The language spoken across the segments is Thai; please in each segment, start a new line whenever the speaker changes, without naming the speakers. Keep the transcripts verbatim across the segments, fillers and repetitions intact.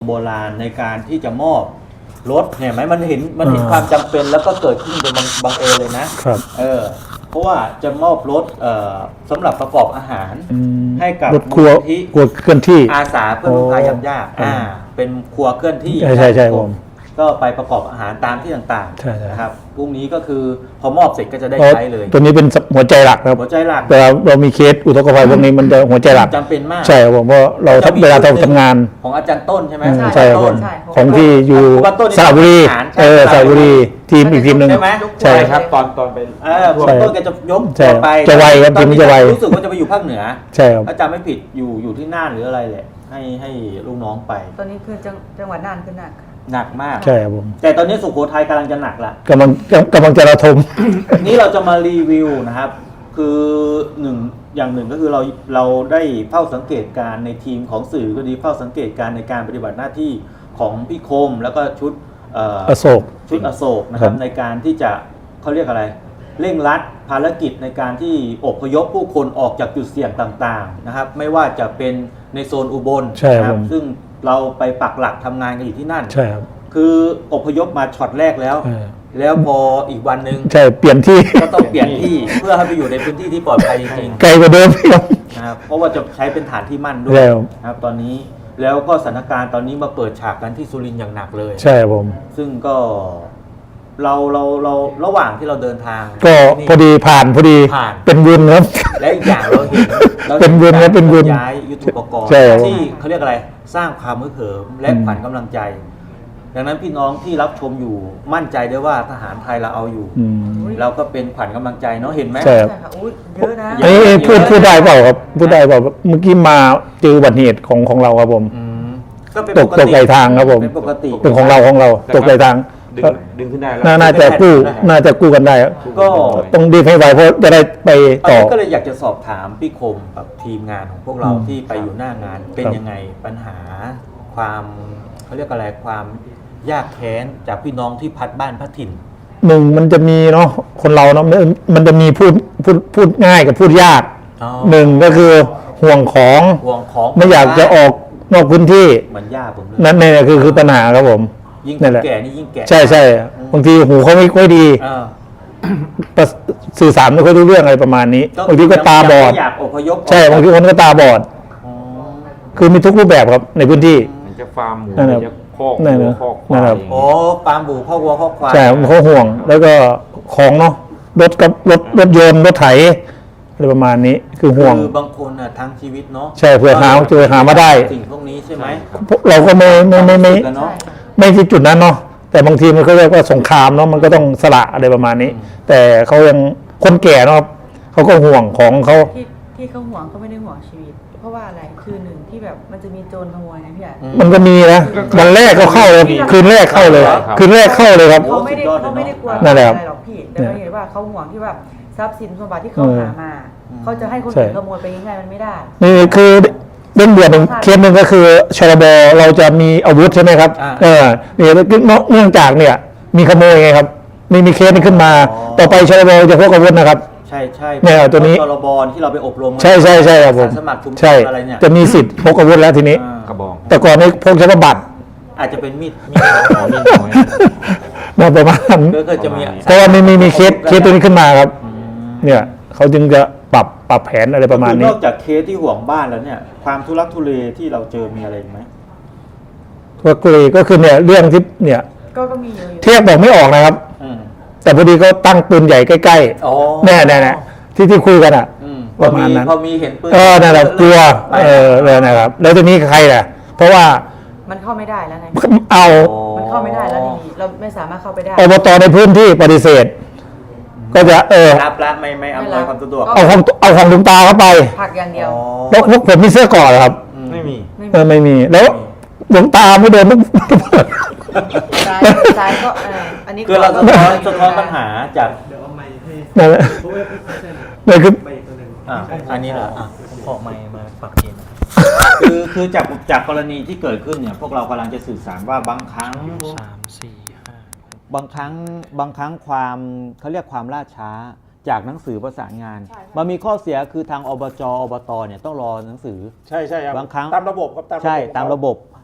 โบราณในการที่จะมอบรถเนี่ยไหมมันเห็นมันเห็นความจำเป็นแล้วก็เกิดขึ้นโดยบังเอิญเลยนะครับเออเพราะว่าจะมอบรถเอ่อสำหรับประกอบอาหารให้กับ
รถครัว
ที่
ครัวเคลื่อนที่
อาสาเพื่อลูกค้ายำยากอ่าเป็นครัวเคลื่อนที่
ใช่ใช่ใช่ผม
ก็ไปประกอบอาหารตามที่ต่างๆนะครับพรุ่งนี้ก็คือพอมอบเสร็จก็จะได้ใช้เลย
ตัวนี้เป็นหัวใจหลักครับ
หัวใจหลัก
เวลาเรามีเคสอุทกภัยพวกนี้มันจะหัวใจหลัก
จำเป็นมาก
ใช่ครับผมเพราะเราเวลาเราทำงาน
ของอาจารย์ต้นใช่ไหม
ใช่ครับผมของที่อยู่สระบุรีเออสระบุรีทีมอีกทีมหนึ่ง
ใช่ครับตอนตอนเป็นเออหัวต้นแกจะยกไป
จะไวครับทีมจะไว
รู้สึกว่าจะไปอยู่ภาคเหนือ
ใช่ครับ
อาจารย์ไม่ผิดอยู่อยู่ที่น่านหรืออะไรแหละให้ให้ลูกน้องไป
ตอนนี้คือจังหวัดน่านคือหนัก
หนักมาก
ใช่ครับผม
แต่ตอนนี้สุโขทัยกำลังจะหนักละ
กำลังกำลังจะระทม
นี้เราจะมารีวิวนะครับคือหนึ่งอย่างหนึ่งก็คือเราเราได้เฝ้าสังเกตการในทีมของสื่อก็ดีเฝ้าสังเกตการในการปฏิบัติหน้าที่ของพี่คมแล้วก็ชุด
อโศก
ชุดอโศกนะครับในการที่จะเขาเรียกอะไรเร่งรัดภารกิจในการที่อพยพผู้คนออกจากจุดเสี่ยงต่างๆนะครับไม่ว่าจะเป็นในโซนอุบลนะครับซึ่งเราไปปักหลักทำงานกันอยู่ที่นั่น
ใช่ครับ
คืออพยพมาช็อตแรกแล้วแล้วพออีกวันหนึ่ง
ใช่เปลี่ยนที่
ก็ต้องเปลี่ยนที่เพื่อให้ไปอยู่ในพื้นที่ที่ปลอดภัยจริง
ๆไกลกว่าเดิม
นะครับเพราะว่าจะใช้เป็นฐานที่มั่นด้วยนะครับตอนนี้แล้วก็สถานการณ์ตอนนี้มาเปิดฉากกันที่สุรินทร์อย่างหนักเลย
ใช่ผม
ซึ่งก็เราเราเราระหว่างที่เราเดินทาง
ก็พอดีผ่านพอดีเป็นบุญครับ
และอีกอย่างเราเห็น
เป็นบุญนะเป็นบุญ
ย้ายยุทโธปกรณ์ที่เขาเรียกอะไรสร้างความฮึกเหิมและขวัญกำลังใจดังนั้นพี่น้องที่รับชมอยู่มั่นใจได้ว่าทหารไทยเราเอาอยู่เราก็เป็นขวัญกำลังใจเนาะเห็นไหม
ใช่
ครับเยอะนะ
เอ้พูดพูดได้เปล่าครับพูดได้เปล่าเมื่อกี้มาเจออุบัติเหตุของของเราครับผมตกตกไหลทางครับผม
เป็นปกติ
เป็นของเราของเราตกไหลทาง
ดึงดึงขึ้นได้แล้ว
น่าจะกู้น่าจะกู้กันได้ก็ต้องดีให้ไวเพราะจะได้ไปต่อ
ก็เลยอยากจะสอบถามพี่คมกับทีมงานของพวกเราที่ไปอยู่หน้างานเป็นยังไงปัญหาความเขาเรียกอะไรความยากแค้นจากพี่น้องที่พัดบ้านพัดถิ่น
หนึ่งมันจะมีเนาะคนเราเนาะมันจะมีพูดพูดพูดง่ายกับพูดยากหนึ่งก็คือห่วงของ
ห่วงของ
ไม่อยากจะออกนอกพื้นที่
เหมือนย่าผม
นั่นนี่คือคือปัญหาครับผม
ยิ่งแก่นี่ยิ่งแก่
ใช่ใช่บางทีหูเขาไม่ค่อยดีสื่อสารไม่ค่อยรู้เรื่องอะไรประมาณนี้บางทีก็ตาบอดใช่บางทีคนก็ตาบอดคือมีทุกรูปแบบครับในพื้นที่
มันจะฟาร์มหมูจะคอก
วัว
คอกควาย
โอ้ฟาร์มหมูคอกวัวคอกควาย
ใช่เขาห่วงแล้วก็ของเนาะรถกับรถรถยนต์รถไถอะไรประมาณนี้คือห่วง
คือบางคนอ่ะทั้งชีวิตเนาะ
ใช่เพื่อหาเจอหามาได้
สิ่งพวกนี้ใช่ไหม
เราก็ไม่ไม่ไม่ไม่ไม่ที่จุดนั้นเนาะแต่บางทีมันก็เรียกว่าสงครามเนาะมันก็ต้องสละอะไรประมาณนี้แต่เขายังคนแก่เนาะเขาก็ห่วงของเขา
ที่ที่เขาห่วงเขาไม่ได้ห่วงชีวิตเพราะว่าอะไรคือหนึ่งที่แบบมันจะมีโจรขโมยนะพี่อ่ะ
มันก็มีนะวันแรกก็เข้าเลยคืนแรกเข้าเลยคืนแรกเข้าเลยครับ
เขาไม่ได้เขาไม่ได้กลัวอะไรหรอกพี่แต่เราเห็นว่าเขาห่วงที่ว่าทรัพย์สินสมบัติที่เขาหามาเขาจะให้คนอื่นขโมยไปง่ายๆมันไม่ได้
นี่คือเรื่องเดือนหนึ่งเคสหนึ่งก็คือชลบเราจะมีอาวุธใช่ไหมครับเออเนี่ยเนื่องจากเนี่ยมีขโมยไงครับมีมีเคสนี้ขึ้นมาต่อไปชลบจะพกอาวุธนะครับ
ใช่ใช่
เนี่ยตัวนี้
ชลบที่เราไปอบรม
ใช่ใช่ใช่ครับผม
สมัครชุมชนอะไรเนี่ย
จะมีสิทธิ์พกอาวุธแล้วทีนี้
กระบอก
แต่ก่อนนี้พกเฉพาะบัตร
อาจจะเป็นมีดมีด
ของมีดน้อย
น่าประมาณ
ก็จะมี
เพราะว่ามีมีมีเคสเคสตัวนี้ขึ้นมาครับเนี่ยเขาจึงจะปรับปรับแผนอะไรประมาณนี้
นอกจากเคสที่ห่วงบ้านแล้วเนี่ยความทุลักทุเลที่เราเจอมีอะไรไหม
ทุลักทุเลก็คือเนี่ยเรื่องที่เนี่ย
ก็มีเยอะ
เทียบบอกไม่ออกนะครับแต่พอดีก็ตั้งปืนใหญ่ใกล้ๆแน่แน่ที่ที่คุยกันอ่ะประมาณนั้น
พอมีเห็นปืน
เออนั่นแหละกลัวเออเลยนะครับแล้วตัวนี้ใครล่ะเพราะว่า
มันเข้าไม่ได้แล้วไง
เอา
มันเข้าไม่ได้แล้วทีนี้เราไม่สามารถเข้าไปได้
อบตในพื้นที่ปฏิเสธก็จะเออ
รับละไม่ไม่อำนวยความสะดวก
เอาของเอาของลุงตาเข้าไป
ผักอย่างเดียว
แล้วพวกผมมีเสื้อก่อนครับ
ไม่มี
เออไม่มีแล้วหลวงตาไม่เดินต้อง
ซ้ายก็อันนี้
คือเราสะท้อนสะท้อนปัญหาจาก
นั่นแหละนั่นคือ
อ่าอันนี้เหรออ่ะขอไมค์มาฝากเองคือคือจากจากกรณีที่เกิดขึ้นเนี่ยพวกเรากำลังจะสื่อสารว่าบางครั้งสามสี่ห้าบางครั้งบางครั้งความเขาเรียกความล่าช้าจากหนังสือประสานงานมันมีข้อเสียคือทางอบจอบตเนี่ยต้องรอหนังสือ
ใช่ใช่ครับ
บางครั้ง
ตามระบบครับ
ใช่ตามระบบ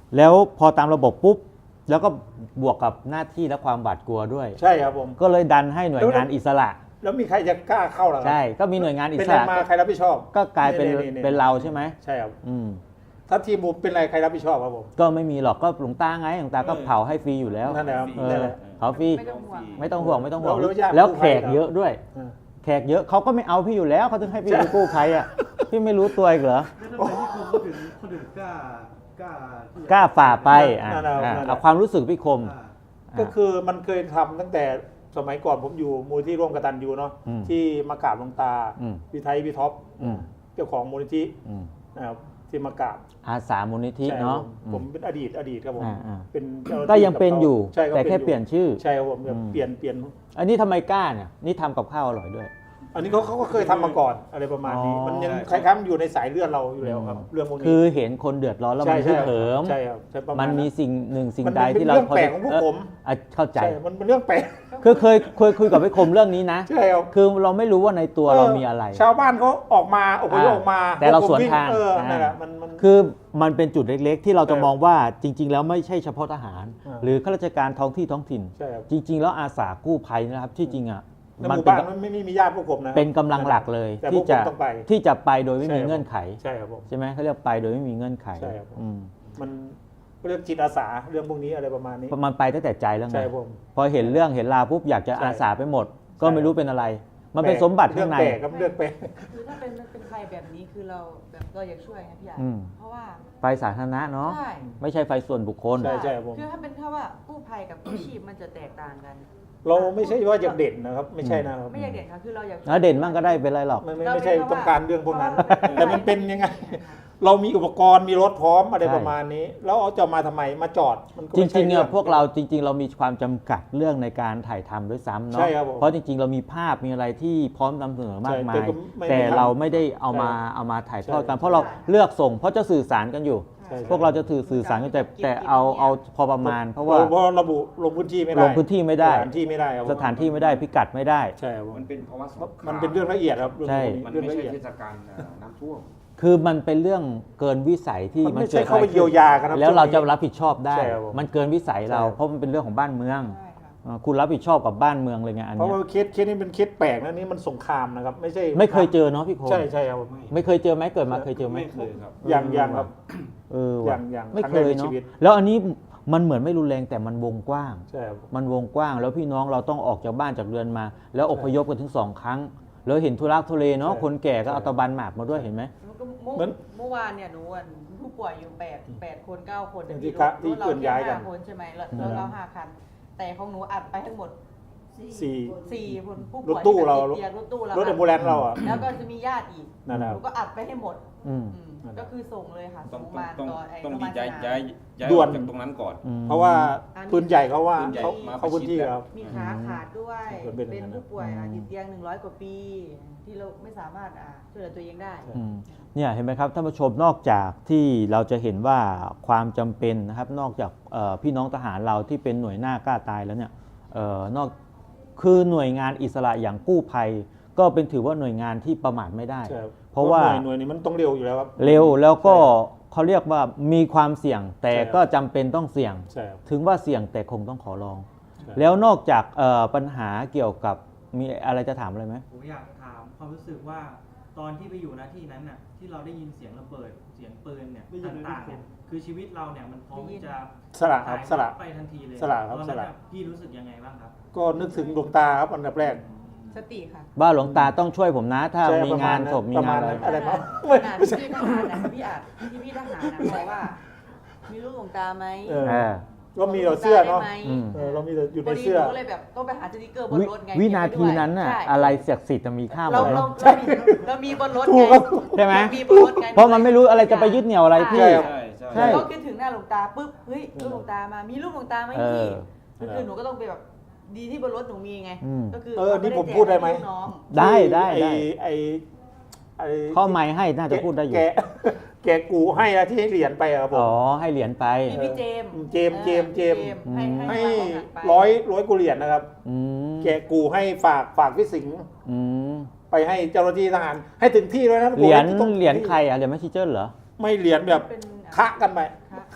แล้วพอตามระบบปุ๊บแล้วก็บวกกับหน้าที่และความหวาดกลัวด้วย
ใช่ครับผม
ก็เลยดันให้หน่วยงานอิสระ
แล้วมีใครจะกล้าเข้าหรอครับ
ใช่ก็มีหน่วยงานอิ
เป็น
ส
อะไร
ระ
มาใครรับผิดชอบ
ก็กลายเป็น
นี่ๆๆ
เป็นเราใช่ไหม
ใช่ครับ
อืม
ถ้าทีมผมเป็นอะไรใครรับผิดชอบครับผม
ก็ไม่มีหรอกก็หลวงตาไงหลวงตาก็เผาให้ฟรีอยู่แล้ว
นั่นแหละครับ
เอ
นั่น
อ
แหละ
เผาฟรี
ไม่ต้องห่วง
ไม่ต้องห่วงไม่ต้องห่วง
แล้วญาติ
แล้ว
กู้
แข
ภัย
กเยอะด้วย
เออ
แขกเยอะเขาก็ไม่เอาพี่อยู่แล้วเขาถึงให้พี่เป็นกู้ภัยอ่ะพี่ไม่รู้ตัวอีกเหรอ
แล้วทำไมที่คนเขาถึงเขาถึงกล้ากล้าที่จะ
กล้าฝ่าไปอ่ะ
นั่นแหละ
อ่ะ
นั่นแหละ
เอาความรู้สึกพี่คม
อ่า
ก็คือมันเคยทำตั้งแต่สมัยก่อนผมอยู่มูลที่ร่วมกตัญญูเนาะ
อืม
ที่มากราบหลวงตา
อืม
พี่ไทยพี่ท็อป
อืม
เจ้าของมูลนิธิ
อืม
นะครับที่มากราบ
อาสามูลนิธิ
ใช่
เนาะ
ผมผมเป็นอดีตอดีตครับผม
อ่าอ่า
เป็นเจ้าหน้าที่
ก็ยังเป็นอยู่
ใช่ก็
แต่แค่
ยู่
เปลี่ยนชื่อ
ใช่ครับผม
อืม
เปลี่ยนเปลี่ยน
อันนี้ทำไมกล้าเนี่ยนี่ทำกับข้าวอร่อยด้วย
อันนี้เขาเขาก็เคยทำมาก่อนอะไรประมาณนี้
อ๋อ
มันยังคล้ายๆมันอยู่ในสายเลือดเราอยู่แล้วครับเรื่องพวกนี้
คือเห็นคนเดือดร้อนแล้วมัน
ใช่
ฮึกเหิม
ใช่ครับใช่ประาณ
มันมีสิ่งหนึ่งสิ่ง
มัน
ใด
เป็น
ที่เรา
เรื่องแปลกของพวก
เ
ผม
อ่ะเข้าใจ
ใช่มันเป็นเรื่องแปลก
คือเคยเคยคุยกับพี่คมเรื่องนี้นะ
ใช่ครับ
คือเราไม่รู้ว่าในตัวเรามีอะไร
ชาวบ้านเขาออกมาอพยพออกมา
แต่เรา
พกผม
สวนทาง
เออ
อ่า
นั่นแหละมันมัน
คือมันเป็นจุดเล็กๆ ที่เราจะ
ใช่
มองว่าจริง ๆ แล้วไม่ใช่เฉพาะทหาร
อ่า
หรือข้าราชการท้องที่ท้องถิ่น
ใช่ครับ
จริง ๆ แล้วอาสากู้ภัยนะครับที่จริงอ่ะ
ในห
มัน
มู่
เป็น
บ้านมันไม่ไม่มีญาติพวกผมนะ
เป็นกำลังหลักเลย
แต่
ที่
พวก
จะ
ผมต้องไป
ที่จะไปโดยไม่
ใช่
มี
ครับ
เงื่อนไข
ใช่ครับผม
ใช่ไหมเขาเรียกไปโดยไม่มีเงื่อนไข
ใช่ครับผม
อืม
มันเรื่องจิตอาสาเรื่องพวกนี้อะไรประมาณนี้
มันไปตั้งแต่ใจแล้วไง
ใช่ผม
พอเห็นเรื่องเห็นราวปุ๊บอยากจะ
ใช่
อาสาไปหมด ก็
ใช่
ไม่รู้เป็นอะไร มันเป็นสมบัติ
เรื่
ข้างใน
แปลกครับเรื่องแปลก
คือถ้าเป็นเป็นใครแบบนี้คือเราแบบเราอยากช่วยไงพี่อาร์
อืม
เพราะว่า
ไฟสาธารณะเนาะ
ใช่
ไม่ใช่ไฟส่วนบุคคล
ใช่ใช่ผม
คือถ้าเป็นแค่ว่ากู้ภัยกับกู้ชีพมันจะแตกต่างกัน
เราไม่ใช่ว่าอยากเด่นนะครับ ไม่ใช่นะครับ
ไม่อยากเด่นค่ะคือเราอยากช่วย
แล้วเด่นบ้างก็ได้เป็นไรหรอก
ไม่ไม่
เรา
ไม่ใช่
เป็นเพราะว่า
ต้องการเรื่องพวกนั้น
เพราะว่า
แต่มันเป็นยังไง เรามีอุปกรณ์มีรถพร้อมอะไรประมาณนี้ แล้วเอาจะมาทำไมมาจอดมันก็
จ
ไม่ใช่
ริงๆเนี่ย
อง
พวกเราจริง ๆ เรามีความจำกัดเรื่องในการถ่ายทำด้วยซ้ำเนาะ
ใช่ครับผม
เพราะจริง ๆ เรามีภาพมีอะไรที่พร้อมนำเสนอมากมา
ใช่
ย
แต่ก็ไม่
แต่
ไม่ทำ
เราไม่ได้เอามา
ใช่
เอามาถ่ายทอด
ใช่
กัน เพราะเราเลือกส่ง เพราะจะสื่อสารกันอยู่
ใช่
พวกเราจะถือสื่อสารกันแต่แต่เอาเอาพอประมาณ เพราะว่า
เพราะระบุลงพื้นที่ไม่ได้
ลงพื้นที่ไม่ได้
สถานที่ไม่ได้ครับ
สถานที่ไม่ได้พิกัดไม่ได้
ใช่ครับผม
มันเป็นภาวะสงคราม
มันเป็นเรื่องละเอียดครับเรื่อง
ใช่
พวก
มัน
เรื่อง
ไม่
ละ
ใช่
เอียด
เทศกาลเอ่อน้ำท่วม
คือมันเป็นเรื่องเกินวิสัยที่
มันไม่
กิ
ใช่
ด
เข้าไป
ขึ้น
เยียวยากันครับ
แล้วเราจะ
ช่วงนี้
รับผิดชอบได้
ใช่ครับผม
มันเกินวิสัยเรา
ใช่
เพราะมันเป็นเรื่องของบ้านเมือง
ใช่ค่ะ
อ่าคุณรับผิดชอบกับบ้านเมืองเลยไงอัน
เพราะ
เนี้ย
ว่าเคสเคสนี้เป็นเคสแปลกนะนี่มันสงครามนะครับ ไม่ใช่
ไม่เคยเจอเนาะพี่คม
ใช่ใช่ครับผม
ไม่เคยเจอไหมเกิดมาเคยเจอไหม
ไม่เคยครับ
อย่างอย่างครับ
เออ
อ
ว่ะ
ย่างอย่าง
ไม่
ครั้ง
เค
แรก
ย
ใน
เนาะ
ชีวิต
แล้วอันนี้มันเหมือนไม่รุนแรงแต่มันวงกว้าง
ใช่ครับ
มันวงกว้าง แล้วพี่น้องเราต้องออกจากบ้านจากเรือนมา แล้วอพยพกันถึงสองครั้ง แล้วเห็นทุรักทุเลเนาะ
ใช่
คนแก่ก็
ใช่
เอาตะบันหมากมาด้วยเห็นไหม
แล้วก็เมื่อ
เหมือน
เมื่อวานเนี่ยหนูอ่ะผู้ป่วยอยู่แปดแปดคนเก้าคน
ที่กะที่
รถเรา
เคลื่อนย้ายกัน
แค่ห้คนใช่ไหมแล้ว
อืม
แล้วเราห้าคัน แต่ของหนูอัดไปทั้งหมด
สี่
สี่คนผู้
ร
ป่
ถ
วย
ตู้เรา
ที่ติดเตียงรถตู้เรา
รถแอมบูเลนซ์เราอ่ะ
แล้วก็จะมีญาติอีก
นั่นแหละ
หนูก็อัดไปให้หมด
อืม
อืมก็คือส่งเลยค่ะ
ต้
ส่
อง
งมา
ต้อง
ต่อไอ้
ต้อง
โรงพ
ดี
ยาบาล
ย้าย
สนาม
ย้ายย้าย
ด่
อ
ว
อน กจากตรงนั้นก่อน
อืม
เพราะว่าปืนใหญ่เขาว่า
ปืนใหญ่
เขา
มา
เขาพื้นที่
ประชิด
ครับ
มีขาขาดด้วย
ส่วนเป็น
เป็น
อย่างนั้น
ผู้ป่วยอ่ะติดเตียงหนึ่งร้อยกว่าปี ที่เราไม่สามารถอ่ะช่วยเหลือตัวเองได้
อืมเนี่ยเห็นไหมครับท่านผู้ชมนอกจากที่เราจะเห็นว่าความจำเป็นนะครับนอกจากเอ่อพี่น้องทหารเราที่เป็นหน่วยหน้ากล้าตายแล้วเนี่ยเอ่อนอกคือหน่วยงานอิสระอย่างกู้ภัย ก็เป็นถือว่าหน่วยงานที่ประมาทไม่ได้
ใช่ครับ
เพราะว่า
หน่วยหน่วยนี้มันต้องเร็วอยู่แล้วครับ
เร็วแล้วก็เขาเรียกว่ามีความเสี่ยง แต่
ใช่ครับ
ก็จำเป็นต้องเสี่ยง
ใช่ครับ
ถึงว่าเสี่ยงแต่คงต้องขอลอง
ใช่
แล้วนอกจากเอ่อปัญหาเกี่ยวกับมีอะไรจะถามอะไรไหม
ผมอยากถามความรู้สึกว่าตอนที่ไปอยู่ณที่นั้นน่ะที่เราได้ยินเสียงระเบิดเสียงปืนเนี่ยต่างๆเนี่ยคือชีวิตเราเนี่ยมันพร้อมที่จะ
สละครับสละ
ไปทันทีเลย
สละครับ
ตอน
ส
นั้น
ละ
น่พี่รู้สึกยังไงบ้างครับ
ก็นึกถึงดวงตาครับอันดับแรก
สติค่ะ
บ้านหลวงตาต้องช่วยผมนะ ถ้า
ใช่
มี
ประ
งาน
ณ
ศพมี
ประ
งาม
าน ณ
อะไร
นั้นอะไร
ข
มา
นาด
ไม่
ขนาด
ไม่ใช่
ที่ทหารนะพี่อาจที่พี่ทหารนะบอกว่า มีลูกหลวงตาไหม
เออ
เออ
ก็มีเราเสื้อเนาะ
ได้ไหม
อืม
เออเรามีแต่อยู่
พ
ใน
อดี
เสื้อ
หนูก็เลยแบบต้องไปหาสติกเกอร์บน
วิ
รถไง
วินาทีนั้นน่ะ
ใช่
อะไรเสียกสิทธิ์จะมีค่าหม
เรา
ด
เรา
เนาะ
เรามีเรามีบนรถ
ถู
ไง
กครับ
ใช่ไหม
เรามีบนรถไง
เพราะมันไม่รู้อะไรจะไปยึดเหนี่ยวอะไรพี่
ใช่ครับ
ใช่ใช่
ใช่
ก็คิดถึงหน้าหลวงตาปุ๊บเฮ้ยลูกหลวงตามามีลูกหลวงตาไหม
เออ
พี่ก็คือหนูก็ต้องไปแบบดีที่บนรถหนูมีไง
อืม
ก็คือ
เออนี่ผมพูดได้ไหม
แจกให้ลูกน้อง
ได้ได้
อ้
ได้
ไอ้ไอ้
ข้อไม้ให้น่าจะพูดได้อยู่
แกแกกูให้นะที่ให้เหรียญไปอะครับผม
อ๋อให้เหรียญไป
พี่พี่เจมส์
เจมส์เจมส์เจมส์
ออให้ให้
ให้
ให้ความหนักไป
ร้อยร้อยกูเหรียญนะครับ
อืม
แกกูให้ฝากฝากพี่สิงห์
อืม
ไปให้เจ้าหน้าที่ทหารให้ถึงที่ด้วยนะ
เหรียญ
ผมไม่ต้อง
เหรียญใครอ่ะเหรียญแมสซิเจอร์เหรอ
ไม่เหรียญแบบ
เป็น
คะกันไป
คะ
คะค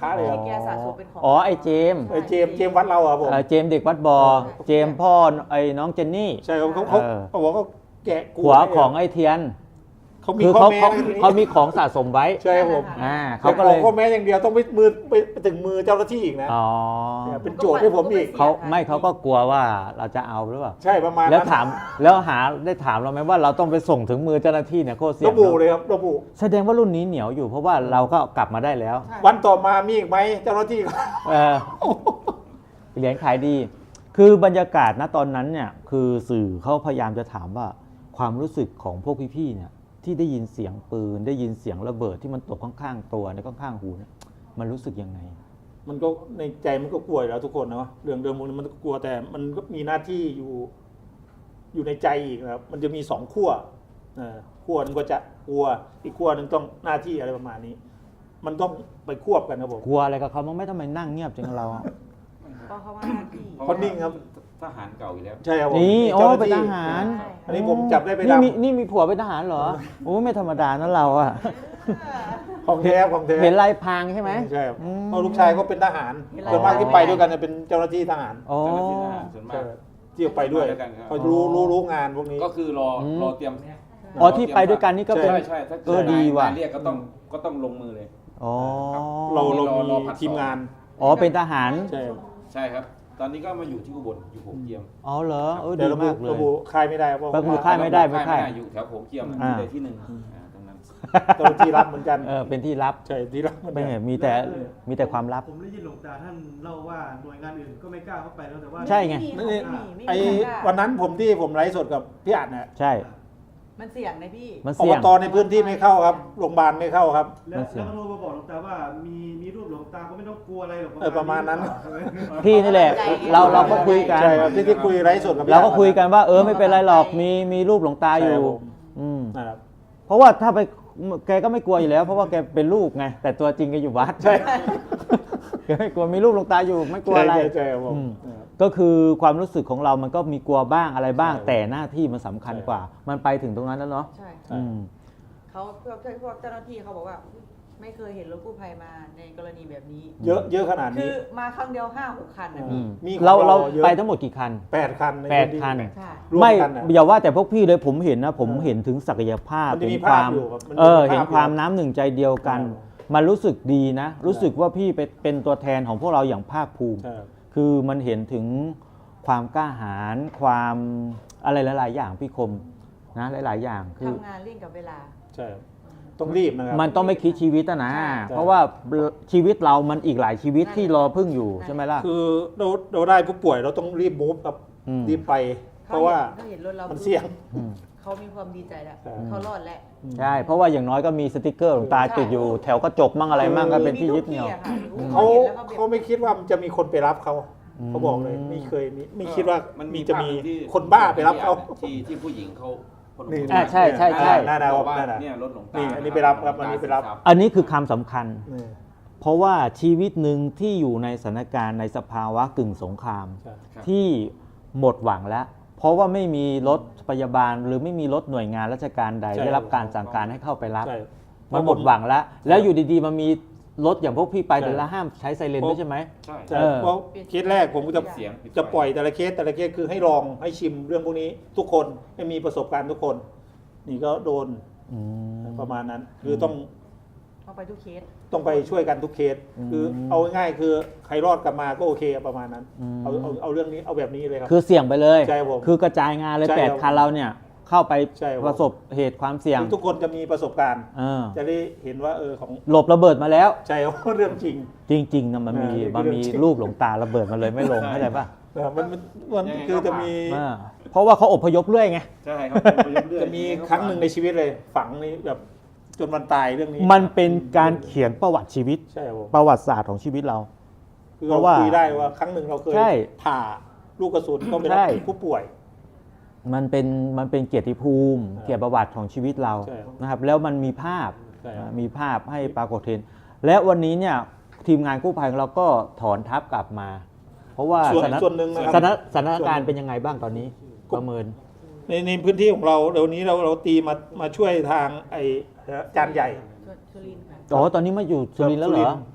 ระเลยครับ
ที่แกสะสมเป็นของ
อ๋อไอ้เจมส์
ไอ้เจมส์เจมส์วัดเราอะผม
เอ่อเจมส์เด็กวัดบอเจมส์พ่อไอ้น้องเจนนี่
ใช่ครับเขาเขา
เออ
เขาบอกเขาแกะกลั
หัวของไอ้เทียน
เขามี
คือ
ข้อ
เขา
แม้
เขา
นะทีนี้
เขามีของสะสมไว้
ใช่ครับผม
อ่า
เขา
เขา
ก็
ก็
เล
เลย ย
ข้อแม้อย่างเดียวต้องไปมือไปไปถึงมือเจ้าหน้าที่อีกนะ
อ๋อ
เนี่ยเป็นโจทย์ให้ผมอีก
เขาไม่เขาก็กลัวว่าเราจะเอาหรือเปล่า
ใช่ประมาณ
แล้ว
นั้น
ถามแล้วหาได้ถามเราไหมว่าเราต้องไปส่งถึงมือเจ้าหน้าที่เนี่ยโคตรเสี่ยง
ระบุ
เนอะ
เลยครับระบุ
แสดงว่ารุ่นนี้เหนียวอยู่เพราะว่าเราก็กลับมาได้แล้ว
ใช่
วันต่อมามีอีกไหมเจ้าหน้าที่
เออเหรียญขายดี คือบรรยากาศณตอนนั้นเนี่ยคือสื่อเขาพยายามจะถามว่าความรู้สึกของพวกพี่ๆเนี่ยที่ได้ยินเสียงปืนได้ยินเสียงระเบิดที่มันตกข้างๆตัวในข้างๆหูเนี่ยมันรู้สึกยังไง
มันก็ในใจมันก็กลัวอยู่แล้วทุกคนนะเรื่องเดิมพวกนี้มันก็กลัวแต่มันก็มีหน้าที่อยู่ อยู่ในใจอีกนะครับ มันจะมีสองขั้วเออขั้วหนึงก็จะกลัวอีกขั้วหนึงต้องหน้าที่อะไรประมาณนี้ มันต้องไปควบกันครับผม
กลัวอะไรกับเขามั้งไม่ทำไมนั่งเงียบจังเราอะ
เพราะเขาว่าหน้าที่
เขานิ่งครับ
ทหารเก่าอยู่แล้ว
ใช่ครับผม
นี่โอ้
เจ้าหน้า
เป็น
ที่
ทหาร
ใช่
อันนี้ผมจับได้ไป
นี่
ดำ
มีนี่มีผัวเป็นทหารเหรอโอ้ไม่ธรรมดานะเราอะ
ของแท้ของแท้
เห็นลายพรางใช่ไหม
ใช่ครับ
อืม
เพราะลูกชายก็เป็นทหาร
เห็นลาย
ส่วนมากที่ไปด้วยกันเนี่ยเป็นเจ้าหน้าที่ทหาร
อ๋อ
เจ้าหน้าที่ทหารส่วนมา
ใช่
ก
ครับที่ไปด้วย
ไปด้วยกันครับ
เขารู้รู้รู้งานพวกนี้
ก็คือรอ
อืม
รอเตรียม
อ๋อที่ไปด้วยกันนี่ก็เป็น
ใช่ใช่ถ้า
เออดีว่ะ
นายเรียกก็ต้องก็ต้องลงมือเลย
อ๋อ
เราเรา
รอรอผั
มี
ด
ทีมงาน
อ๋อเป็นทหาร
ใช่ครับ
ใช่ครับ ตอนนี้ก็มาอยู่ที่อุบลอยู่โขงเจียม
อ๋อเหรอเออ
เดี๋
ดี
ยวระบุ
มากเลย
ระบุค่ายไม่ได้เพราะ
ระบุ
ว่า
ค่ายไม่ได้ไม่
ค่าย
ค่าย
อยู่แถวโขงเจียม
อ่า
ที่ใดที่หนึ่งอ่าตรงนั้น
เจ้าหน้าที่รับเหมือนกัน
เออเป็นที่ลับ
ใช่ที่รับเหมือน
ไม่
กัน
เห็นมีแต่มีแต่ความลับ
ผมได้ยินหลวงตาท่านเล่าว่าหน่วยงานอื่นก็ไม่กล้าเข้าไปแล้วแต่ว่า
ใช่ไง
ไม่
นี่
มีไม่มี
ไอ้
ไม่มีใครกล้า
วันนั้นผมที่ผมไลฟ์สดกับพี่อัดนะ
ใช่
มันเสี่ยงนะพี่
มัน
อ
เสี่ย
บ
ง
ตในพื้นที่ไม่เข้าครับโรงพยาบาลไม่เข้าครับ
แล้ว
มันเสี่ยง
แล้วก็โทรมาบอกหลวงตาว่ามีมีรูปหลวงตาก็ไม่ต้องกลัวอะไรหรอก
เออประมาณนั้น
พี่นี่แหละ เราเราก็คุยกัน
ใช่ครับที่ที่คุยไลฟ์สดกับพี่
เรา
อัด
ก็คุยกันว่าเออไม่เป็นไรหรอกมีมีรูปหลวงตาอยู่
ใช่ครับผม
อืม
นะครับ
เพราะว่าถ้าไปแกก็ไม่กลัวอยู่แล้ว เพราะว่าแกเป็นลูกไงแต่ตัวจริงแกอยู่วัด
ใช่
แกไม่กลัวมีรูปหลวงตาอยู่ไม่กลัวอะไร
ใช่ใช่ครับผม
อืม
นะครับ
ก็คือความรู้สึกของเรามันก็มีกลัวบ้างอะไรบ้าง
ใช่
แต่หน้าที่มันสำคัญกว่า มันไปถึงตรงนั้นแล้วเนาะ
ใช่
อืม
เขาพวกพวกเจ้าหน้าที่เขาบอกว่า ไม่เคยเห็นรถกู้ภัยมาในกรณีแบบนี้
เยอะเยอะขนาด
คื
นี้
อมาครั้งเดียวห้าหกคันนะ
อื
พี่
ม มี
เรา
ของ
เรา
เราเยอะ
ไปทั้งหมดกี่คัน
แปดคันใน
แปด
พื้นที่
คัน
ใช่
ร่วม
ไม่
กันนะ
อย่าว่าแต่พวกพี่เลยผมเห็นนะ ผมเห็นถึงศักยภาพ
มันจะมี
เห็นความ
ภาพอยู่ครับมันจะมี
เออ
ภาพ
เห็นความ
อยู่
น้ำหนึ่งใจเดียวกัน
ใช่ครับ
มันรู้สึกดีนะ รู้สึกว่าพี่เป็นเป็นตัวแทนของพวกเราอย่างภาคภูมิ
ใช่ครับ
คือมันเห็นถึงความกล้าหาญความอะไรหลาย ๆ อย่างพี่คมนะหลาย ๆ อย่างคือ
ทำงานเร่งกับเวลา
ใช่ครับต้องรีบนะครับ
มันต้องไม่คิดชีวิตอะนะ
ใช่
เพราะว่าชีวิตเรามันอีกหลายชีวิตที่รอพึ่งอยู่ใช่ไหมล่ะ
คือเราเราได้ผู้ป่วยเราต้องรีบมูฟครับ
อืม
รีบไป เพราะว่า
เขาเห็นรถเรา
มันเสี่ยง
อืม
เขามีความดีใจแล้ว
ใช่
เขารอดแล้ว
ใช่เพราะว่าอย่างน้อยก็มีสติกเกอร์หลวงตาติดอยู่แถวกระจกมั่งอะไรมั่งก็เป็นที่ยึดเหนี่ยว
เขา
ห็นแล้วก็แบบ
เขาไม่คิดว่ามันจะมีคนไปรับเขา
อืม
เขาบอกเลยไม่เคยมีไม่คิดว่า
มัน
มี
มี
จะมี
ภาพหนึ่งที่
คนบ้าไปรับเขา
ที่ที่ผู้หญิงเขาคน
นี่
อ่าใช่ใช่ใช่
น่าดาว
บอกว่า
น่าดาว
เนี่ยรถหลวงตา
นี่อันนี้ไปรับครับอันนี้ไปรับ
อันนี้คือคำสำคัญ
นี่
เพราะว่าชีวิตหนึ่งที่อยู่ในสถานการณ์ในสภาวะกึ่งสงคราม
ใช่
ครับ
ที่หมดหวังแล้ว เพราะว่าไม่มีรถพยาบาลหรือไม่มีรถหน่วยงานราชการใด
ใช่
ได้รับการสั่งการให้เข้าไปรับ
ใช่
มันหมดหวังแล้ว แล้วอยู่ดีๆมันมีรถอย่างพวกพี่ไป
ใช่
แต่ละห้ามใช้ไซเรนด้วยใช่ไหม
ใช่
ใช่
เออ
เพราะเคสแรกผมก็จะ
เสียงปิดไฟ
จะปล่อยแต่ละเคสแต่ละเคสคือให้ลองให้ชิมเรื่องพวกนี้ทุกคนให้มีประสบการณ์ทุกคน นี่ก็โดน
อืม
ประมาณนั้น คือต้อง
เอาไปทุกเคส
ต้องไปช่วยกันทุกเคส
อืม
คือเอาง่ายๆคือใครรอดกลับมาก็โอเคประมาณนั้น
อืม
เอาเอาเอาเรื่องนี้เอาแบบนี้เลยครับ
คือเสี่ยงไปเลย
ใช่ครับผม
คือกระจายงานเลย
ใช่
แปด
ครับ
คันเราเนี่ยเข้าไป
ใช่ครับ
ประสบเหตุความเสี่ยง
ทุกคนจะมีประสบการณ์
เออ
จะได้เห็นว่าเออของ
หลบระเบิดมาแล้ว
ใช่ครับ เรื่องจริง
จริงๆนะมันมี
เออ
มันมี
เรื่องจริง
รูปหลวงตาระเบิดมาเลยไม่ลงเข้าใจป่ะ
นะครับมันมันมันคือจะมี
อ่าเพราะว่าเขาอพยพเรื่อยไง
ใช่ครับ
จะมีครั้งหนึ่งในชีวิตเลย ฝังนี่แบบจนวันตายเรื่องนี้
มันเป็นการเขียนประวัติชีวิต
ใช่ครับผม
ประวัติศาสตร์ของชีวิตเรา
คือ
เพ
เรา
ราะว่า
คุยได้ว่าครั้งหนึ่งเราเคย
ใช่
ผ่าลูกกระสุนก็ไป
ใช่
รับผู้ป่วย
มันเป็นมันเป็นเกียรติภูมิ
ครับ
เกียรติประวัติของชีวิตเรา
ใช่ครับ
นะครับ แล้วมันมีภาพ
ใช่ครับ
มีภาพให้ปรากฏเห็น และวันนี้เนี่ยทีมงานกู้ภัยของเราก็ถอนทัพกลับมา เพราะว่า
ส่วน
สถาน
ส่วนหนึ่งนะค
ส
รับ
ถานสถานการณ์เป็นยังไงบ้างตอนนี้ประเมิน
ในในพื้นที่ของเราเดี๋ยวนี้เราเราตีมามาช่วยทางไอ้จานใหญ่
สุรินทร์ค่ะ
อ๋อตอนนี้มาอยู่สุรินทร์แล้วเหรอ
สุรินทร์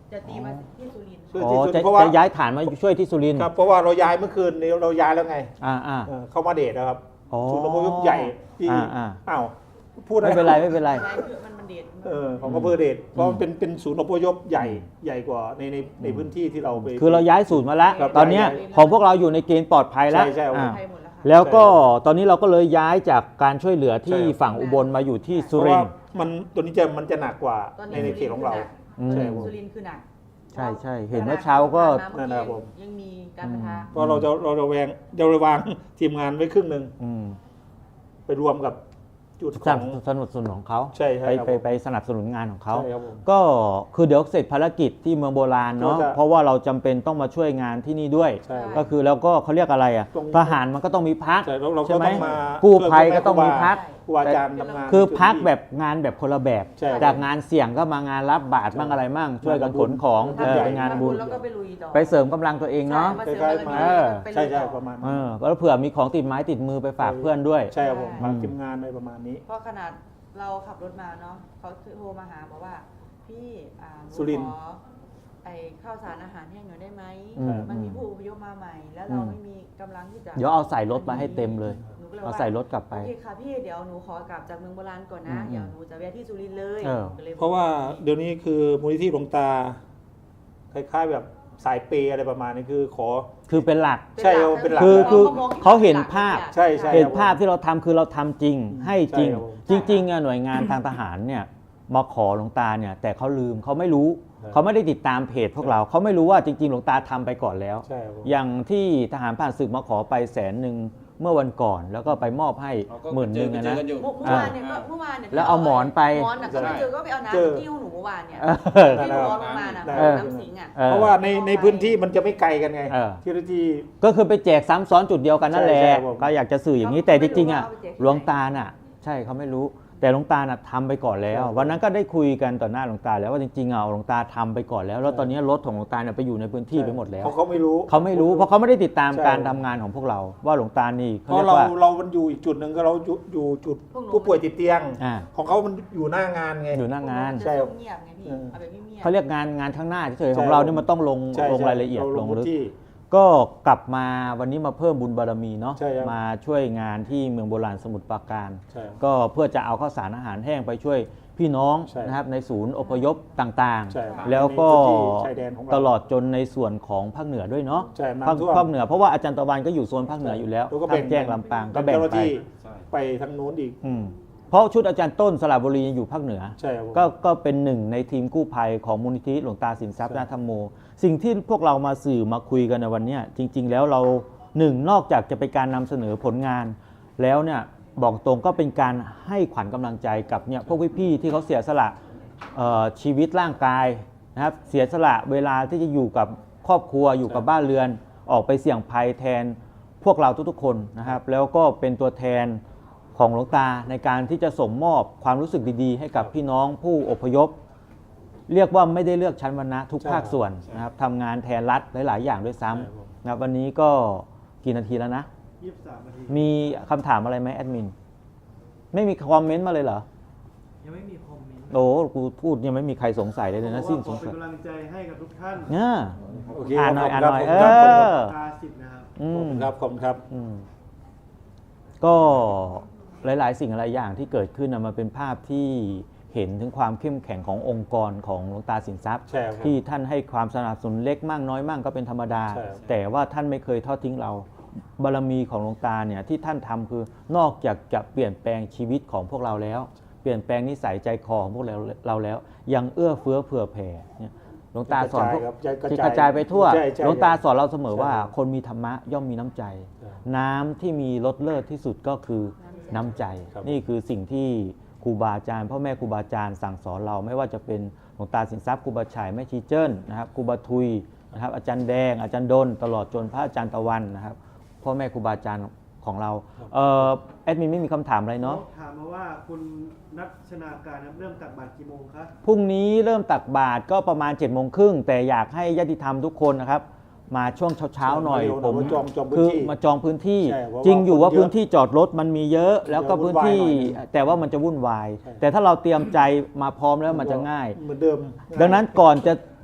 จะตีมาที่สุรินทร์
คือ
อ๋อ
ที่สุด
จะ
เพราะว่า
จะย้ายฐานมาช่วยที่สุรินทร์
ครับเพราะว่าเราย้ายเมื่อคืนนี้เราย้ายแล้วไง
อ่าอ่า
เออเข้ามาเดทนะครับ
อ๋อ
ศูนย์อพยพใหญ่ที่
อ่าอ่า
อ้าวพูดอะ
ไม่เป็นไรไม่เป็นไร
อะไรคือมันมันเด็ด
เออของอำเภอเดชเพราะมันเป็นเป็นศูนย์อพยพใหญ่ใหญ่กว่าในในในพื้นที่ที่เราไป
คือเราย้ายสูตรมาแล้ว
ครับ
ตอนเนี้ย
ย้าย
ของพวกเราอยู่ในเกณฑ์ปลอดภัยแล้ว
ใช่ใช่
อ่า
ไทยหมดแล้วค่ะ
แล้วก็ตอนนี้เราก็เลยย้ายจากการช่วยเหลือที่
ใช่ครับ
ฝั่งอุบลมาอยู่ที่
เพ
สุ
ราะ
ริ
ว่าน
ทร์
มันตัวนี้จะมันจะหนักกว่า
ตอน
ใน
นี้
ในเขตของเรา
อืม
ใช่ครับผม
สุรินทร์คือหนัก
ใช่ใช่เห็นเมื่อเช้าก็
นั่นนะครับผม
ยังมีการปะทะ
เพราะเราจะเราจะแวงเราจะวางทีมงานไว้ครึ่งหนึ่ง
อืม
ไปรวมกับจุด
ส
ข
นั
อบ ง
สนุนสนุนของเขา
ใช่ใช่
ไป
ครับ
ไป
ผม
ไปสนับสนุนงานของเขา
ใช่ครับผม
ก็คือเดี๋ยวเสร็จภารกิจที่เมืองโบราณเนาะ
ก็จะ
เพราะว่าเราจำเป็นต้องมาช่วยงานที่นี่ด้วย
ใช่
ก็คือแล้วก็เขาเรียกอะไรอ่ะ
ตรง
ทหารมันก็ต้องมีพัก
ใช่แล้วเราก็
ใช่ไหม
ต้องมา
กู้ภัย
ช่วย
ก็ต้องมีพัก
ครูบาอาจารย์ทำงาน
คือ
ในจุด
พัก
ที่
แบบงานแบบคนละแบบ
ใช่
จากงานเสี่ยงก็มางานรับบาตรบ้างอะไรบ้างช่วยกันขนของ
ทำ
เออ
ใหญ่
เป็นงานบุญ
แล้วก็ไปลุยต่อ
ไปเสริมกำลังตัวเองเนาะ
ใช่
คล้ายๆมา
เออ
ไปลุยต่อ
ใช่ใช่ประมาณ
เอ
นั้น
อแล้วเผื่อมีของติดไม้ติดมือไปฝากเพื่อนด้วย
ใช่ครับผม
ใช่
ฝากทีมงานในประมาณนี้
เพราะขนาดเราขับรถมาเนาะเขาโทรมาหาบอกว่า พี่อ่าหนู
สุรินทร์
ขอไอ้ข้าวสารอาหารแห้งหน่อยได้ไหม
อืม
มันมีผู้อพยพมาใหม่ แล้วเราไม่มีกำลังที่จะ
เดี๋ยวเอาใส่รถมาให้เต็มเลย
หนูก็เลย
เอา
ว่า
ใส่รถกลับไป
โอเคค่ะพี่เดี๋ยวหนูขอกลับจากเมืองโบราณก่อนนะ
อืม
เดี๋ยวหนูจะแวะที่สุรินทร์เลย
เออ
ก็ลยบอก
เพราะว่าเดี๋ยวนี้คือมูลนิธิหลวงตา คล้ายๆแบบสายเปย์อะไรประมาณนี้คือขอ
คือเป็นหลัก
ใช่ครับเป็นหลัก
คือคือ
มง
เขาเห็นภาพ
ใช่ใช่
เห็นภาพที่เราทำคือเราทำจริง ให้จริง
ใช่ครับผม
จริงๆอะหน่วยงานทางทหารเนี่ยมาขอหลวงตาเนี่ยแต่เขาลืมเขาไม่รู้
ใช่
เขาไม่ได้ติดตามเพจพวกเราเขาไม่รู้ว่าจริงๆหลวงตาทำไปก่อนแล้ว
ใช่ครับผม
อย่างที่ทหารผ่านศึกมาขอไปแสนหนึ่งเมื่อวันก่อน แล้วก็ไปมอบให้
เราก็
หมื่นหนึ่ง
ไป
อะ
เจอ
นะ
กันอยู่
เมื่อเมื่อวานเนี่ยก็เมื่อวานเนี่ย
แล้วเอาหมอนไป
หมอนน่ะก็ไม่เจอก็ไปเอา
เจอ
น้ำที่ห้องหนูเมื่อวานเนี่ย
เออ
ที่หนูร้อนลงมาน่ะ
เออ
น้ำสิงอ่ะ
ออ
เพราะว่าในในพื้นที่มันจะไม่ไกลกันไง
เออ
ที่ที่
ก็คือไปแจกซ้ำซ้อนจุดเดียวกันนั่นแหละ
ใช่ใช่ผม
ก็อยากจะสื่ออย่างนี้
เขา
แต่
ไม่
จริงๆอ่ะ
รู้ว่าเอาไปแจกที่ไหน
หลวงตาน่ะ ใช่เขาไม่รู้ แต่หลวงตาน่ะทำไปก่อนแล้ว วันนั้นก็ได้คุยกันต่อหน้าหลวงตาแล้วว่าจริงๆอ่ะหลวงตาทำไปก่อนแล้ว แล้วตอนนี้รถของหลวงตาเนี่ยไปอยู่ในพื้นที่ไปหมดแล้ว
เขาเขาไม่รู้
เขาไม่รู้เพราะเขาไม่ได้ติดตาม
ใช่
การทำงานของพวกเรา ว่าหลวงตานี่
เพ
เขา
ราะ
เรียก
เรา
ว่า
เรามันอยู่อีกจุดหนึ่งก็เราอยู่อยู่จุด
พวกหนู
ผู้ป่วยติดเตียง
อ่า
ของเขามันอยู่หน้างานไง
อยู่หน้างาน
ใช่
จะเงียบไงพี่
เออ
เอาแบบเงียบๆ
เขาเรียกงานงานข้างหน้าเฉยๆ
ใช่
ของเราเนี่ยมันต้องลง
ใช่
ลง
ใช่
รายละเอียด
เรา
ล
ล
ง
ง
ลึก
ที่
ก็กลับมาวันนี้มาเพิ่มบุญบารมีเนาะ
ใช่ครับ
มาช่วยงานที่เมืองโบราณสมุทรปราการ
ใช่ครับ
ก็เพื่อจะเอาข้าวสารอาหารแห้งไปช่วยพี่น้อง
ใช่
นะครับในศูนย์อพยพต่าง
ใช่ครับ
ๆ แล้วก็
ในพื้นที่ชายแดนของเรา
ตลอดจนในส่วนของภาคเหนือด้วยเนาะ
ใช่น้ำ
ภาค
ท่วม
ภาคเหนือเพราะว่าอาจารย์ตะวันก็อยู่โซนภาคเหนืออยู่แล้ว
แล้วก็
ภา
แบ่
ค
ง
แจ้งลำปางก็แบ่ง
เจ้าหน้า
ไป
ที่
ใช่
ไปทางนู้นอีก
อืมเพราะชุดอาจารย์ต้นสระบุรีอยู่ภาคเหนือ
ใช่ครับผม
ก็ก็เป็นหนึ่งในทีมกู้ภัยของมูลนิธิหลวงตาสินทรัพย์
ใช่
นาธรรมโม สิ่งที่พวกเรามาสื่อมาคุยกันในวันเนี้ยจริง ๆ แล้วเราหนึ่งนอกจากจะเป็นการนำเสนอผลงาน แล้วเนี่ยบอกตรงก็เป็นการให้ขวัญกำลังใจกับเนี่ยพวกพี่ๆที่เขาเสียสละเอ่อชีวิตร่างกายนะครับเสียสละเวลาที่จะอยู่กับครอบครัวอยู่กับบ้านเรือน ออกไปเสี่ยงภัยแทนพวกเราทุกๆคนนะครับแล้วก็เป็นตัวแทนของหลวงตาในการที่จะส่งมอบความรู้สึกดีๆ ให้กับพี่น้องผู้อพยพ เรียกว่าไม่ได้เลือกชั้นวรรณะทุก
ใช่
ภาคส่วน
ใช่
นะครับทำงานแทนรัฐหลายๆ อย่างด้วยซ้
ใช่ครับ
ำนะครับวันนี้ก็กี่นาทีแล้วนะ
ยี่สิบสามนาที
มีคำถามอะไรไหมแอดมิน ไม่มีคอมเมนต์มาเลยเหรอ
ยังไม่มีคอมเมนต์
โอ้กูพูดยังไม่มีใครสงสัยเลยนะสิ้นสง
ขอเป็
สั
น
ย
กำลังใจให้กับทุกท่าน
เนี่ย
โอเค
อ่านหน่อย
ข
อ่าน
บ
หน่อย
คุณ
เอ
ครับ
อ
ตาสิบนะครับ
อื
ขอบ
ม
คุณครับขอบคุณครับ
อืมก็หลายๆ สิ่งหลายอย่างที่เกิดขึ้นนะมันเป็นภาพที่เห็นถึงความเข้มแข็งขององค์กรของหลวงตาสินทรัพย์
ใช่ครับ
ที่ท่านให้ความสนับสนุนเล็กมากน้อยมากก็เป็นธรรมดา
ใช่ครับ
แต่ว่าท่านไม่เคยทอดทิ้งเรา บารมีของหลวงตาเนี่ยที่ท่านทำคือนอกจากจะเปลี่ยนแปลงชีวิตของพวกเราแล้ว เปลี่ยนแปลงนิสัยใจคอของพวกเราเราแล้ว ยังเอื้อเฟื้อเผื่อแผ่เนี่ยหลวงตาสอนพวก
กระจายครับ
ที่กระจายไปทั่ว
ใช่ใช่
หลวงตาสอนเราเสมอว่า
ใช่
คนมีธรรมะย่อมมีน้ำใจ
ใช่
น้ำที่มีรสเลิศที่สุดก็คือน้ำใจ
ครับ
นี่คือสิ่งที่ครูบาอาจารย์พ่อแม่ครูบาอาจารย์สั่งสอนเราไม่ว่าจะเป็นหลวงตาสินทรัพย์ครูบาชัยแม่ชีเจิ้นนะครับครูบาทุยนะครับอาจารย์แดงอาจารย์ดนตลอดจนพระอาจารย์ตะวันนะครับพ่อแม่ครูบาอาจารย์ของเราเอ่อแอดมินไม่มีคำถามอะไรเนาะ
ถามมาว่าคุณนัทชนาการนะครับเริ่มตักบาตรกี่โมงครับ
พรุ่งนี้เริ่มตักบาตรก็ประมาณ7จ็ดโมงครึ่งแต่อยากให้ญาติธรรมทุกคนนะครับมาช่วงเช้าๆหน่อย
เร็วๆหน่อย
ผม
มาจองจองพื้น
คือ
ที่
มาจองพื้นที่
ใช่เพราะว่า
จริงอยู่ว่า
คนเยอะ
พื้นที่จอดรถมันมีเยอะ แล้วก็
เดี๋ยว
พื้นที่
วุ่นวายหน่อย
แต่ว่ามันจะวุ่นวาย
ใช่
แต่ถ้าเราเตรียมใจมาพร้อมแล้วมันจะง่าย
เหมือนเดิม
ดังนั้นก่อนจะปิด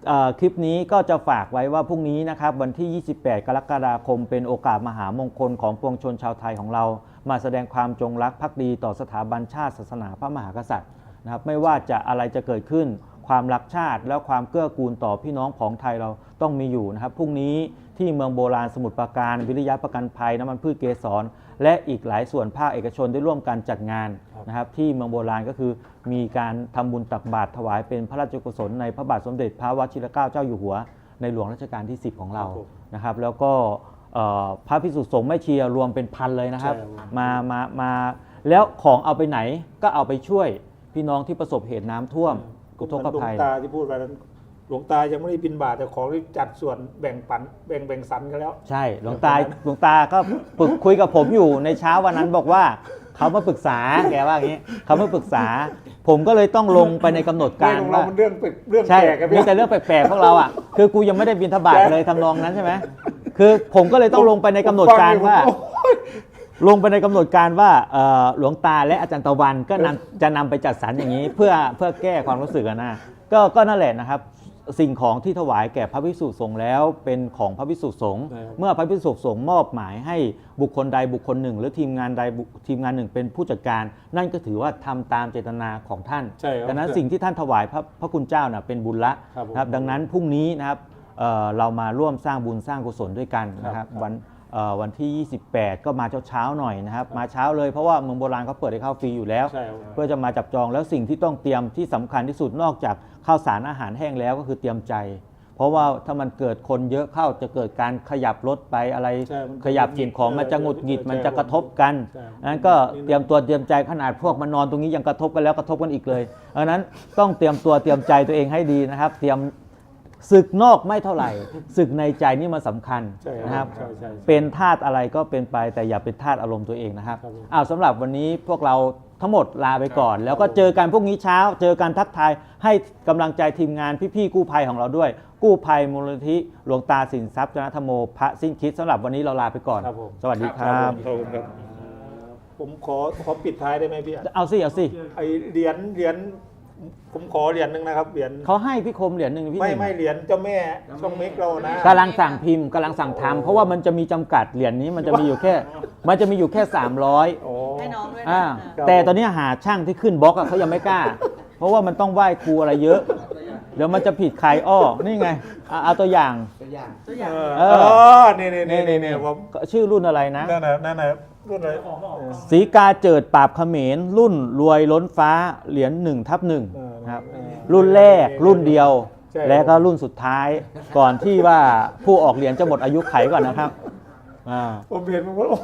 เอ่อคลิปนี้ก็จะฝากไว้ว่าพรุ่งนี้นะครับวันที่ ยี่สิบแปด กรกฎาคมเป็นโอกาสมหามงคลของปวงชนชาวไทยของเรา มาแสดงความจงรักภักดีต่อสถาบันชาติศาสนาพระมหากษัตริย์นะครับไม่ว่าจะอะไรจะเกิดขึ้นความรักชาติและความเกื้อกูลต่อพี่น้องของไทยเราต้องมีอยู่นะครับพรุ่งนี้ที่เมืองโบราณสมุทรปราการวิริยะประกันภัยน้ำมันพืชเกสรและอีกหลายส่วนภาคเอกชนได้ร่วมกันจัดงานนะครับที่เมืองโบราณก็คือมีการทำบุญตักบาตรถวายเป็นพระราชกุศลในพระบาทสมเด็จพระวชิรเกล้าเจ้าอยู่หัวในหลวงรัชกาลที่สิบของเรานะครับแล้วก็เอ่อพระภิกษุสงฆ์แม่ชีรวมเป็นพันเลยนะครับมามามาแล้วของเอาไปไหนก็เอาไปช่วยพี่น้องที่ประสบเหตุน้ำท่วมอุทกภัย
หลวงตาที่พูดไปนั้นหลวงตายังไม่ได้บินบาตแต่ของที่จัดส่วนแบ่งปันแบ่งแบ่งสรรกันแล้ว
ใช่หลวงตาหลวงตาก็ปรึกคุยกับผมอยู่ในเช้าวันนั้นบอกว่าเขามาปรึกษาแกว่าอย่างนี้เขามาปรึกษา ผมก็เลยต้องลงไปในกำหนดการ
ของเรา
ว่า
มันเรื่องแปลกเรื่อง
ใช่
แปลกกัน
มีแต่เรื่องแปลกๆพวกเราอ่ะคือกูยังไม่ได้บินทบาทเลยทำนองนั้นใช่ไหมคือผมก็เลยต้องลงไปในกำหนดการว่า ลงไปในกำหนดการว่าเอ่อหลวงตาและอาจารย์ตะวันก็นำจะนำไปจัดสรรอย่างนี้ เพื่อเพื่อแก้ความรู้สึกอะนะก็ก็นั่นแหละนะครับสิ่งของที่ถวายแก่พระภิกษุสงฆ์แล้วเป็นของพระภิกษุสงฆ์เมื่อพระภิกษุสงฆ์มอบหมายให้บุคคลใดบุคคลหนึ่ง หรือทีมงานใดบุทีมงานหนึ่งเป็นผู้จัดการ นั่นก็ถือว่าทำตามเจตนาของท่าน
ใช่ครับ
ดังนั้นสิ่งที่ท่านถวายพระพระคุณเจ้าน่ะเป็นบุญละ
ครับผม
นะครับดังนั้นพรุ่งนี้นะครับเอ่อเรามาร่วมสร้างบุญสร้างกุศลด้วยกันนะครับ
ครับ
วันเอ่อวันที่ ยี่สิบแปด ก็มาเช้าๆหน่อยนะครับมาเช้าเลยเพราะว่าเมืองโบราณเขาเปิดให้เข้าฟรีอยู่แล้ว
ใช่ครับ
เพื่อจะมาจับจองแล้วสิ่งที่ต้องเตรียมที่สำคัญที่สุดนอกจากข้าวสารอาหารแห้งแล้วก็คือเตรียมใจ เพราะว่าถ้ามันเกิดคนเยอะเข้าจะเกิดการขยับรถไปอะไร
ใช่มัน
ขยับสิ่งของมันจะหงุดหงิดมันจะกระทบกัน
ใช่
นั้นก็เตรียมตัวเตรียมใจขนาดพวกมานอนตรงนี้ยังกระทบกันแล้วกระทบกันอีกเลยดังนั้นต้องเตรียมตัวเตรียมใจตัวเองให้ดีนะครับ เตรียมศึกนอกไม่เท่าไหร่ศึกในใจนี่มันสำคัญ
ใช่ครับ
นะครับ
ใช่ใช่
เป็นธาตุอะไรก็เป็นไปแต่อย่าเป็นธาตุอารมณ์ตัวเองนะครับ
ครับผม
อ้าวสำหรับวันนี้พวกเราทั้งหมดลาไปก่อน แล้วก็เจอกันพรุ่งนี้เช้า เจอกันทักทายให้กำลังใจทีมงานพี่ๆกู้ภัยของเราด้วย กู้ภัยมูลนิธิหลวงตาสินทรัพย์จนธรรมโมพระสิ้นคิดสำหรับวันนี้เราลาไปก่อน
ครับผม
สวัสดีครับ
ขอบคุณครับผมขอขอปิดท้ายได้ไหมพี่อ่ะ
เอาสิเอาสิ
ไอเหรียญเหรียญผมขอเหรียญหนึ่งนะครับเหรียญ
เขาให้พี่คมเหรียญหนึ่งพี่ห
ไม่
นึ่ง
ไม่เหรียญเจ้าแม่ช่องเมกเรานะ
กำลังสั่งพิมพ์กำลังสั่งทำเพราะว่ามันจะมีจำกัดเหรียญนี้มันจะมีอยู่แค่ มันจะมีอยู่แค่สามร้อย
โอ้
ให้น้องด้วยนะ
อ่า
ครับ
แต่ตอนนี้หาช่างที่ขึ้นบล็อกอะเขายังไม่กล้า เพราะว่ามันต้องไหว้ครูอะไรเยอะ เดี๋ยวมันจะผิดใครอ้อนี่ไงอ่ะเอาตัวอย่าง
ตัวอย่าง
เออ
เอ
เอ
อ
อนี่นี่นี่นี่นี่ผม
ชื่อรุ่นอะไรนะ
นั่นน่ะนั่นน่ะรุ่นอะไร
สีกาเจิดปราบเขมรรุ่นรวยล้นฟ้าเหรียญหนึ่งทับหนึ่ง
เออ
ครับ
เออ
รุ่นแรกรุ่นเดียว
ใช่
และก็รุ่นสุดท้ายก่อนที่ว่าผู้ออกเหรียญจะหมดอายุไขก่อนนะครับอ่า
ผมเห็นผมว่าโอ้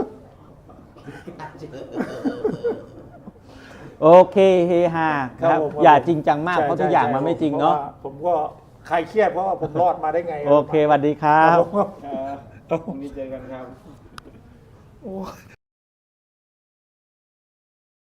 โอเคเฮฮาครับ
ผม
อย่าจริงจังมาก
ใช่
เพราะทุกอย่าง
ใช่
มันไม่จริงเนาะ
พผมก็คลายเครียดเพราะว่าผมรอดมาได้ไง
โอเคสวัสดีครับ
ผมก็
ครับพรุ่งนี้เจอกันครับ
โอ้